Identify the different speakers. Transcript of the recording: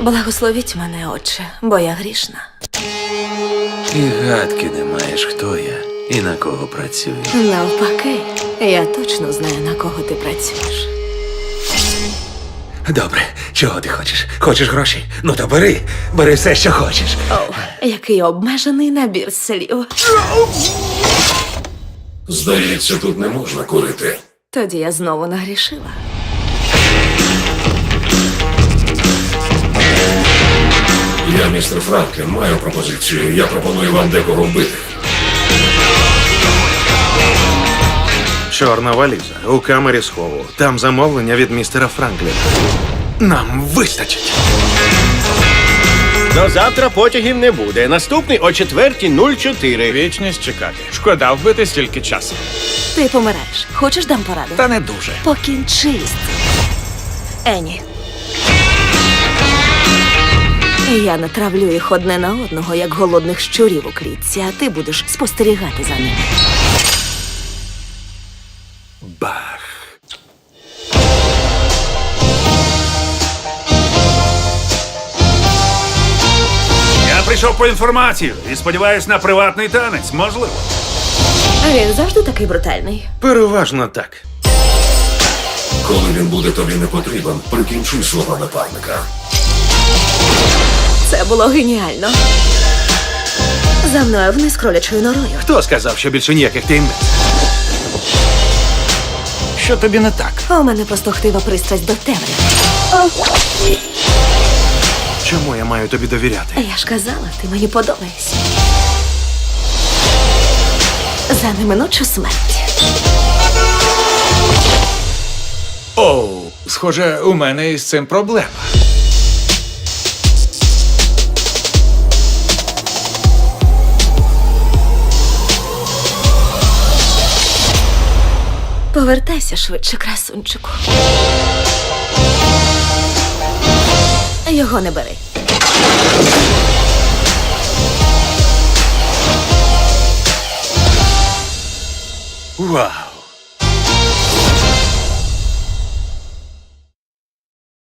Speaker 1: Благословіть мене, Отче, бо я грішна.
Speaker 2: І гадки не маєш, хто я і на кого працюю.
Speaker 1: Навпаки, я точно знаю, на кого ти працюєш.
Speaker 2: Добре, чого ти хочеш? Хочеш гроші? Ну то бери, бери все, що хочеш.
Speaker 1: О, який обмежений набір слів.
Speaker 3: Здається, тут не можна курити.
Speaker 1: Тоді я знову нагрішила.
Speaker 3: Я, містер Франклін, маю пропозицію. Я пропоную вам декого вбити.
Speaker 4: Чорна валіза у камері схову. Там замовлення від містера Франкліна. Нам вистачить.
Speaker 5: До завтра потягів не буде. Наступний о 4:04.
Speaker 6: Вічність чекати. Шкода вбити стільки часу.
Speaker 1: Ти помираєш. Хочеш дам пораду?
Speaker 6: Та не дуже.
Speaker 1: Покінчи з цим. Ені. Я натравлю їх одне на одного, як голодних щурів у клітці, а ти будеш спостерігати за ними.
Speaker 2: Бах.
Speaker 6: Я прийшов по інформацію і сподіваюсь на приватний танець, можливо.
Speaker 1: Він завжди такий брутальний.
Speaker 4: Переважно так.
Speaker 3: Коли він буде тобі не потрібен, прикінчуй свого напарника.
Speaker 1: Це було геніально. За мною вниз кролячою норою.
Speaker 4: Хто сказав, що більше ніяких таємниць?
Speaker 6: Що тобі не так?
Speaker 1: У мене просто хтива пристрасть до темряви.
Speaker 4: Чому я маю тобі довіряти?
Speaker 1: Я ж казала, ти мені подобаєшся. За неминучу смерть.
Speaker 6: Оу, схоже, у мене із цим проблема.
Speaker 1: Повертайся швидше, красунчику. Його не бери.
Speaker 4: Вау!